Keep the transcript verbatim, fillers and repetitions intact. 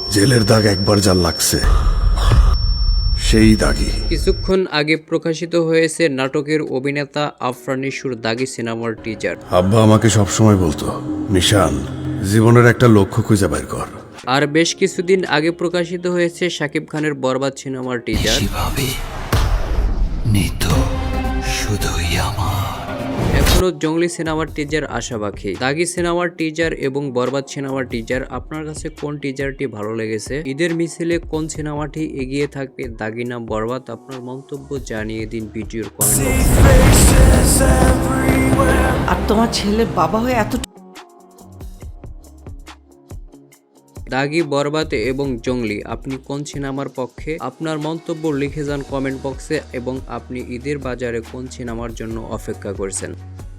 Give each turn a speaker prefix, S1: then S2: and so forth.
S1: জেলের দাগ একবার যা লাগছে সেই দাগি।
S2: কিছুক্ষণ আগে প্রকাশিত হয়েছে নাটকের অভিনেতা আফরান নিশোর দাগি সিনেমার টিজার।
S1: আব্বা আমাকে সবসময় বলতো, নিশান, জীবনের একটা লক্ষ্য খুঁজে বের কর।
S2: আর বেশ কিছুদিন আগে প্রকাশিত হয়েছে শাকিব খানের বরবাদ সিনেমার টিজার। এখনো জঙ্গলি সিনেমার টিজার আশা বাকি। দাগি সিনেমার টিজার এবং বরবাদ সিনেমার টিজার, আপনার কাছে কোন টিজারটি ভালো লেগেছে? ঈদের মিছিলে কোন সিনেমাটি এগিয়ে থাকবে, দাগি না বরবাদ? আপনার মন্তব্য জানিয়ে দিন ভিডিওর কমেন্ট বক্সে।
S3: আর তোমার ছেলে বাবা হয়ে এত
S2: দাগি, বরবাদ এবং জঙ্গলি, আপনি কোন সিনেমার পক্ষে? আপনার মন্তব্য লিখে যান কমেন্ট বক্সে। এবং আপনি ঈদের বাজারে কোন সিনেমার জন্য অপেক্ষা করছেন?